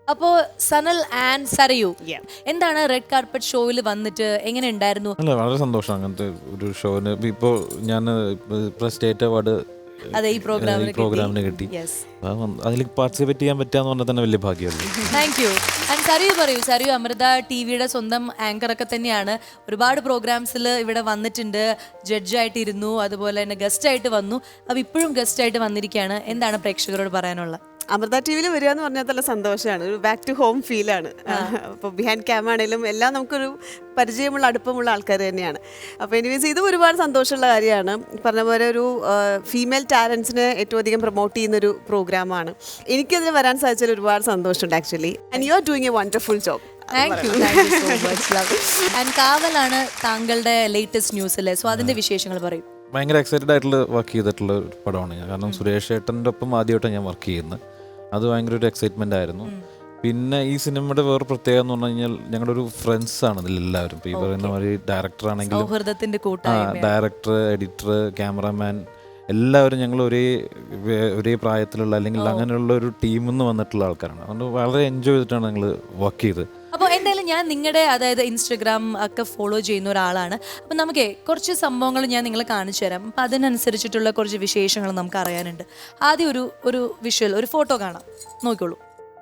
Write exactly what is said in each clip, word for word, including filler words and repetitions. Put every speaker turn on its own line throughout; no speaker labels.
അപ്പോ സനൽ ആൻഡ് സരയു എന്താണ് red carpet ഷോയിൽ വന്നിട്ട് എങ്ങനെ ഉണ്ടായിരുന്നു?
അല്ല, വളരെ സന്തോഷം അങ്ങനത്തെ ഒരു ഷോന്. ഇപ്പോൾ ഞാൻ സ്റ്റേറ്റ് അവാർഡ്
അതെ ഈ
പ്രോഗ്രാമിന് കിട്ടി. അതിൽ പാർട്ടിസിപ്പേറ്റ് ചെയ്യാൻ പറ്റാന്ന് പറഞ്ഞാൽ തന്നെ വലിയ ഭാഗ്യമല്ലേ.
Thank you. ആൻഡ് സരയു പറയൂ. സരയു അമൃത ടി വിയുടെ സ്വന്തം ആങ്കറൊക്കെ തന്നെയാണ്. ഒരുപാട് പ്രോഗ്രാംസിൽ ഇവിടെ വന്നിട്ടുണ്ട്, ജഡ്ജായിട്ട് ഇരുന്നു, അതുപോലെ തന്നെ ഗസ്റ്റ് ആയിട്ട് വന്നു. അപ്പോൾ ഇപ്പോഴും ഗസ്റ്റ് ആയിട്ട് വന്നിരിക്കുകയാണ്. എന്താണ് പ്രേക്ഷകരോട് പറയാനുള്ളത്?
അമൃത ടി വിയിൽ വരിക എന്ന് പറഞ്ഞാൽ നല്ല സന്തോഷമാണ്. ഒരു ബാക്ക് ടു ഹോം ഫീലാണ്. അപ്പോൾ ബിഹൈൻഡ് ക്യാം ആണെങ്കിലും എല്ലാം നമുക്കൊരു പരിചയമുള്ള അടുപ്പമുള്ള ആൾക്കാർ തന്നെയാണ്. അപ്പോൾ എനിവേസ് ഇതും ഒരുപാട് സന്തോഷമുള്ള കാര്യമാണ്. പറഞ്ഞ പോലെ ഒരു ഫീമെയിൽ ടാലൻസിനെ ഏറ്റവും അധികം പ്രൊമോട്ട് ചെയ്യുന്നൊരു പ്രോഗ്രാമാണ്. എനിക്കതിന് വരാൻ സാധിച്ചതിൽ ഒരുപാട് സന്തോഷമുണ്ട് actually. And you are doing a wonderful job.
Thank you thank you so much. And കാവലാണ് താങ്കളുടെ ലേറ്റസ്റ്റ് ന്യൂസ് അല്ലേ? സോ അതിന്റെ വിശേഷങ്ങൾ പറയും.
ഭയങ്കര എക്സൈറ്റഡ് ആയിട്ടുള്ള വർക്ക് ചെയ്തിട്ടുള്ള ഒരു പടമാണ് ഞാൻ. കാരണം സുരേഷ് ഏട്ടൻ്റെ ഒപ്പം ആദ്യമായിട്ടാണ് ഞാൻ വർക്ക് ചെയ്യുന്നത്. അത് ഭയങ്കര ഒരു എക്സൈറ്റ്മെന്റ് ആയിരുന്നു. പിന്നെ ഈ സിനിമയുടെ വേറെ പ്രത്യേകത എന്ന് പറഞ്ഞു കഴിഞ്ഞാൽ ഞങ്ങളുടെ ഒരു ഫ്രണ്ട്സ് ആണ് ഇതിലെല്ലാവരും. ഇപ്പോൾ ഈ പറയുന്ന മാതിരി ഡയറക്ടർ ആണെങ്കിലും ഡയറക്ടർ, എഡിറ്റർ, ക്യാമറാമാൻ എല്ലാവരും ഞങ്ങൾ ഒരേ ഒരേ പ്രായത്തിലുള്ള അല്ലെങ്കിൽ അങ്ങനെയുള്ള ഒരു ടീമിൽ നിന്ന് വന്നിട്ടുള്ള ആൾക്കാരാണ്. അതുകൊണ്ട് വളരെ എൻജോയ് ചെയ്തിട്ടാണ് ഞങ്ങൾ വർക്ക് ചെയ്തത്.
അപ്പോൾ എന്തായാലും ഞാൻ നിങ്ങളുടെ അതായത് ഇൻസ്റ്റഗ്രാം ഒക്കെ ഫോളോ ചെയ്യുന്ന ഒരാളാണ്. അപ്പം നമുക്ക് കുറച്ച് സംഭവങ്ങൾ ഞാൻ നിങ്ങളെ കാണിച്ചു തരാം. അപ്പം അതിനനുസരിച്ചിട്ടുള്ള കുറച്ച് വിശേഷങ്ങൾ നമുക്ക് അറിയാനുണ്ട്. ആദ്യം ഒരു ഒരു വിഷ്വൽ, ഒരു ഫോട്ടോ കാണാം, നോക്കിക്കോളൂ.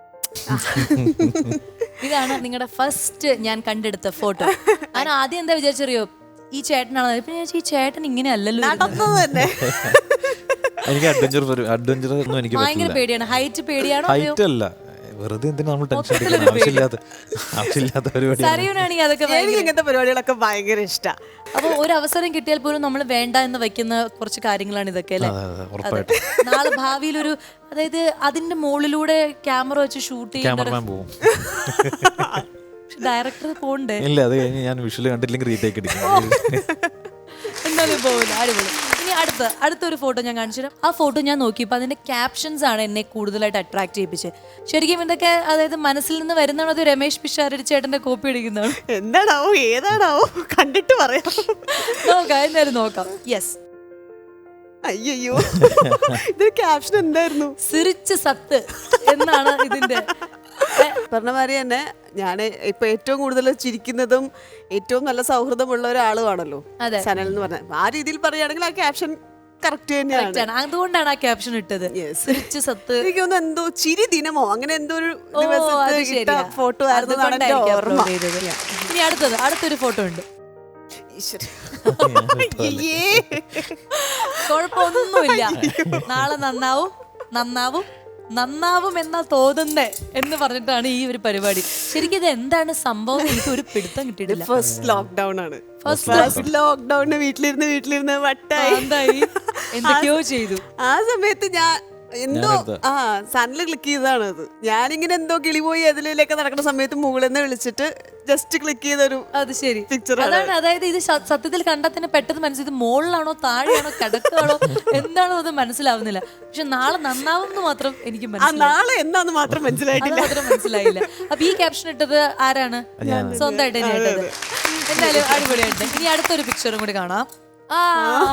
ഇതാണ് നിങ്ങളുടെ ഫസ്റ്റ് ഞാൻ കണ്ടെടുത്ത ഫോട്ടോ. ഞാൻ ആദ്യം എന്താ വിചാരിച്ചറിയോ, ഈ ചേട്ടനാണ്. ഇപ്പം ഞാൻ ഈ ചേട്ടൻ ഇങ്ങനെ അല്ലല്ലോ.
എനിക്ക് അഡ്വഞ്ചർ അഡ്വഞ്ചർ ഒന്നും എനിക്ക്
ഭയങ്കര പേടിയാണ്. ഹൈറ്റ് പേടിയാണോ?
ഹൈറ്റ് അല്ല, വെറുതെ എന്തിനാ നമ്മൾ ടെൻഷൻ എടുക്കുന്നത്? ആവശ്യമില്ലാത്ത ആവശ്യമില്ലാത്ത പരിപാടി.
സരയുനാണെങ്കിൽ അതൊക്കെ
ഇങ്ങനത്തെ പരിപാടികളൊക്കെ ഭയങ്കര ഇഷ്ടമാണ്.
അപ്പോൾ ഒരു അവസരം കിട്ടിയാൽ പോലും നമ്മൾ വേണ്ട എന്ന് വെക്കുന്ന കുറച്ച് കാര്യങ്ങളാണ് ഇതൊക്കെ അല്ലേ? നാളെ ഭാവിയിൽ ഒരു അതായത് അതിന്റെ മുകളിലൂടെ ക്യാമറ വെച്ച് ഷൂട്ട്
ക്യാമറമാൻ പോകും.
ഡയറക്ടർ പോണ്ടേ?
ഇല്ല, അത് കഴിഞ്ഞ് ഞാൻ വിഷ്വൽ കണ്ടില്ലെങ്കിൽ റീടേക്ക് അടിക്കും.
എന്തായാലും പോകില്ല. അടിപൊളി. ഇനി അടുത്ത അടുത്തൊരു ഫോട്ടോ ഞാൻ കാണിച്ചു തരാം. ആ ഫോട്ടോ ഞാൻ നോക്കിയപ്പോൾ അതിന്റെ ക്യാപ്ഷൻസ് ആണ് എന്നെ കൂടുതലായിട്ട് അട്രാക്ട് ചെയ്യിപ്പിച്ചത്. ശരിക്കും ഇതൊക്കെ അതായത് മനസ്സിൽ നിന്ന് വരുന്നതാണോ അത് രമേശ് പിഷാരടി ചേട്ടന്റെ കോപ്പി അടിക്കുന്നതാണ്?
എന്താണാവോ ഏതാണാവോ കണ്ടിട്ട് പറയാം.
നോക്കാം, എന്തായാലും നോക്കാം. യെസ്.
അയ്യോ, ഇതൊരു ക്യാപ്ഷൻ എന്തായിരുന്നു?
സിറിച്ച് സത്ത് എന്നാണ് ഇതിന്റെ.
പറഞ്ഞ മാതിരി തന്നെ ഞാൻ ഇപ്പൊ ഏറ്റവും കൂടുതൽ ചിരിക്കുന്നതും ഏറ്റവും നല്ല സൗഹൃദമുള്ള ഒരാളുമാണല്ലോ സനൽ എന്ന് പറഞ്ഞ. ആ രീതിയിൽ പറയുകയാണെങ്കിൽ ആ ക്യാപ്ഷൻ കറക്റ്റ് തന്നെയാണ്.
അതുകൊണ്ടാണ് ആ ക്യാപ്ഷൻ ഇട്ടത്.
എനിക്ക് തോന്നുന്നു എന്തോ ചിരി ദിനമോ അങ്ങനെ എന്തോ ഒരു ഫോട്ടോ ആയിരുന്നു.
ഇനി അടുത്തത് അടുത്തൊരു ഫോട്ടോ ഉണ്ട്. കുഴപ്പമൊന്നുമില്ല, നാളെ നന്നാവും നന്നാവും നന്നാവും എന്നാ തോന്നുന്നേ എന്ന് പറഞ്ഞിട്ടാണ് ഈ ഒരു പരിപാടി. ശരിക്കും ഇത് എന്താണ് സംഭവം? എനിക്ക് ഒരു പിടുത്തം കിട്ടിയിട്ടില്ല.
ഫസ്റ്റ് ലോക്ക്ഡൌൺ ആണ്. ഫസ്റ്റ് ലോക്ക്ഡൌണിന് വീട്ടിലിരുന്ന് വീട്ടിലിരുന്ന് വട്ടായി
എന്തൊക്കെയോ ചെയ്തു.
ആ സമയത്ത് ഞാൻ എന്തോ ആ സണ്ണില് ക്ലിക്ക് ചെയ്തതാണ് അത്. ഞാനിങ്ങനെ എന്തോ കിളിപോയി അതിലേക്ക് നടക്കുന്ന സമയത്ത് മുകളിൽ നിന്ന് വിളിച്ചിട്ട് ജസ്റ്റ് ക്ലിക്ക് ചെയ്തൊരു
അത് ശരി
പിക്ചർ
അതാണ്. അതായത് ഇത് സത്യത്തിൽ കണ്ടാൽ തന്നെ പെട്ടെന്ന് മനസ്സിൽ മുകളിലാണോ താഴെയാണോ കിടക്കാണോ എന്താണോ അത് മനസ്സിലാവുന്നില്ല. പക്ഷെ നാളെ നന്നാവും എന്ന് മാത്രം എനിക്ക് മനസ്സിലായി.
നാളെ എന്താന്ന് മാത്രം മനസ്സിലായിട്ടില്ല
മാത്രം മനസ്സിലായില്ല. അപ്പൊ ഈ ക്യാപ്ഷൻ ഇട്ടത് ആരാണ്? സ്വന്തമായിട്ട് തന്നെ ഇട്ടത്. എന്തായാലും അടിപൊളിയായിട്ട്. ഇനി അടുത്തൊരു പിക്ചറും കൂടി കാണാം. ആ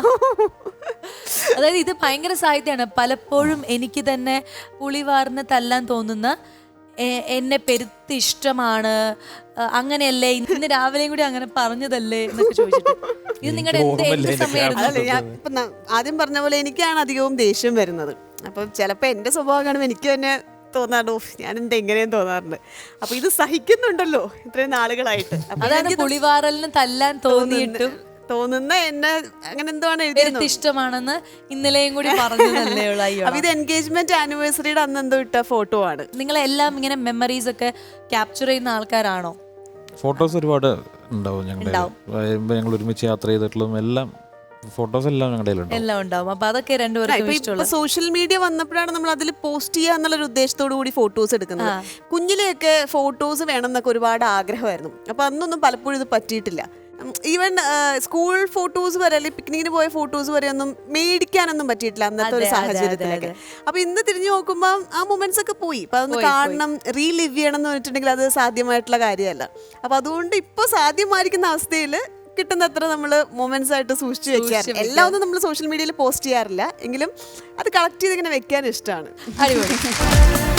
അതായത് ഇത് ഭയങ്കര സാഹിത്യമാണ്. പലപ്പോഴും എനിക്ക് തന്നെ പുളിവാർന്ന് തല്ലാൻ തോന്നുന്ന, എന്നെ പെരുത്ത് ഇഷ്ടമാണ്, അങ്ങനെയല്ലേ ഇന്ന് രാവിലെയും കൂടി അങ്ങനെ പറഞ്ഞതല്ലേ എന്നൊക്കെ ചോദിച്ചിട്ട്. ഇത് നിങ്ങളുടെ എന്ത് സമയമായിരുന്നു?
ഞാൻ ഇപ്പൊ ആദ്യം പറഞ്ഞ പോലെ എനിക്കാണ് അധികവും ദേഷ്യം വരുന്നത്. അപ്പൊ ചിലപ്പോ എന്റെ സ്വഭാവം കാണുമ്പോൾ എനിക്ക് തന്നെ തോന്നാറുണ്ട്, ഞാൻ എന്താ എങ്ങനെയും തോന്നാറുണ്ട്. അപ്പൊ ഇത് സഹിക്കുന്നുണ്ടല്ലോ ഇത്രയും നാളുകളായിട്ട്.
അതാണ് പുളിവാറലിന് തല്ലാൻ തോന്നിയിട്ടും
തോന്നുന്ന എന്നെ അങ്ങനെ എന്തോ ആണ്
ഇഷ്ടമാണെന്ന് ഇന്നലെയും കൂടി പറഞ്ഞതല്ലേ ഉള്ളൂ.
അപ്പൊ ഇത് എൻഗേജ്മെന്റ് ആനിവേഴ്സറിയുടെ അന്ന് എന്തോ ഇട്ട ഫോട്ടോ ആണ്.
നിങ്ങളെല്ലാം ഇങ്ങനെ മെമ്മറീസ് ഒക്കെ ക്യാപ്ചർ ചെയ്യുന്ന ആൾക്കാരാണോ?
ഫോട്ടോസ് ഒരുപാട് ഉണ്ടാവും. ഞങ്ങളുടെ ഞങ്ങൾ ഒരുമിച്ച് യാത്ര ചെയ്തിട്ടുള്ളതും എല്ലാം ഫോട്ടോസ് എല്ലാം ഞങ്ങളുടെ
എല്ലാം ഉണ്ടാവും. അപ്പൊ അതൊക്കെ രണ്ടുപേരും
സോഷ്യൽ മീഡിയ വന്നപ്പോഴാണ് നമ്മൾ അതിൽ പോസ്റ്റ് ചെയ്യുക എന്നുള്ള ഉദ്ദേശത്തോടു കൂടി ഫോട്ടോസ് എടുക്കുന്നത്. കുഞ്ഞിലെയൊക്കെ ഫോട്ടോസ് വേണം എന്നൊക്കെ ഒരുപാട് ആഗ്രഹമായിരുന്നു. അപ്പൊ അന്നൊന്നും പലപ്പോഴും ഇത് പറ്റിയിട്ടില്ല. ഈവൻ സ്കൂൾ ഫോട്ടോസ് വരെ അല്ലെങ്കിൽ പിക്നിക്കിന് പോയ ഫോട്ടോസ് വരെ ഒന്നും മേടിക്കാനൊന്നും പറ്റിയിട്ടില്ല അന്നത്തെ ഒരു സാഹചര്യത്തിലൊക്കെ. അപ്പൊ ഇന്ന് തിരിഞ്ഞു നോക്കുമ്പോൾ ആ മൊമെന്റ്സ് ഒക്കെ പോയി. അപ്പൊ അതൊന്ന് കാണണം, റീലിവ് ചെയ്യണം എന്ന് പറഞ്ഞിട്ടുണ്ടെങ്കിൽ അത് സാധ്യമായിട്ടുള്ള കാര്യമല്ല. അപ്പൊ അതുകൊണ്ട് ഇപ്പൊ സാധ്യമായിരിക്കുന്ന അവസ്ഥയിൽ കിട്ടുന്നത്ര നമ്മൾ മൊമെന്റ്സ് ആയിട്ട് സൂക്ഷിച്ചു വെക്കാറ്. എല്ലാം ഒന്നും നമ്മൾ സോഷ്യൽ മീഡിയയിൽ പോസ്റ്റ് ചെയ്യാറില്ല, എങ്കിലും അത് കളക്ട് ചെയ്ത് ഇങ്ങനെ വെക്കാൻ ഇഷ്ടമാണ്.
അടിപൊളി.